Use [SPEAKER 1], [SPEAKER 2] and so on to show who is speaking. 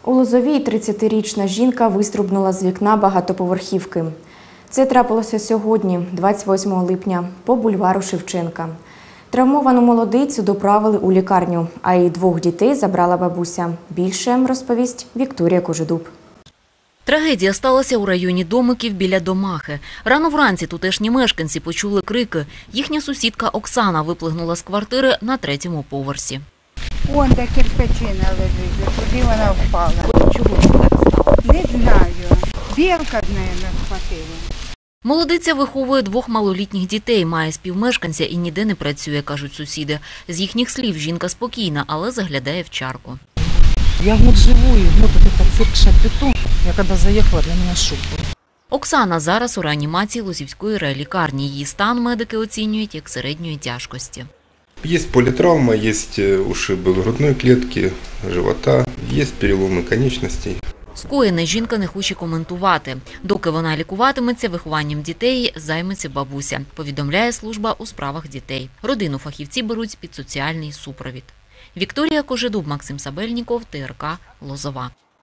[SPEAKER 1] У Лозовій 30-річна жінка вистрибнула з вікна багатоповерхівки. Це трапилося сьогодні, 28 липня, по бульвару Шевченка. Травмовану молодицю доправили у лікарню, а її двох дітей забрала бабуся. Більше розповість Вікторія Кожедуб.
[SPEAKER 2] Трагедія сталася у районі Домиків біля Домахи. Рано вранці тутешні мешканці почули крики. Їхня сусідка Оксана виплигнула з квартири на 3-му поверсі.
[SPEAKER 3] Вон де кирпичина лежить, туди вона впала.
[SPEAKER 2] Чого так стало?
[SPEAKER 3] Не знаю. Білка з нею не схватила.
[SPEAKER 2] Молодиця виховує 2 малолітніх дітей, має співмешканця і ніде не працює, кажуть сусіди. З їхніх слів, жінка спокійна, але заглядає в чарку.
[SPEAKER 4] Я год живу, и вот этот цирк Шапито, я когда заехала, для меня шок был.
[SPEAKER 2] Оксана зараз у реанімації Лозівської райлікарні. Її стан медики оцінюють як середньої тяжкості.
[SPEAKER 5] Есть политравма, есть ушибы грудной клетки, живота, есть переломы конечностей.
[SPEAKER 2] Скоєне жінка не хоче коментувати. Доки вона лікуватиметься, вихованням дітей займеться бабуся, повідомляє служба у справах дітей. Родину фахівці беруть під соціальний супровід. Вікторія Кожедуб, Максим Сабельніков, ТРК Лозова.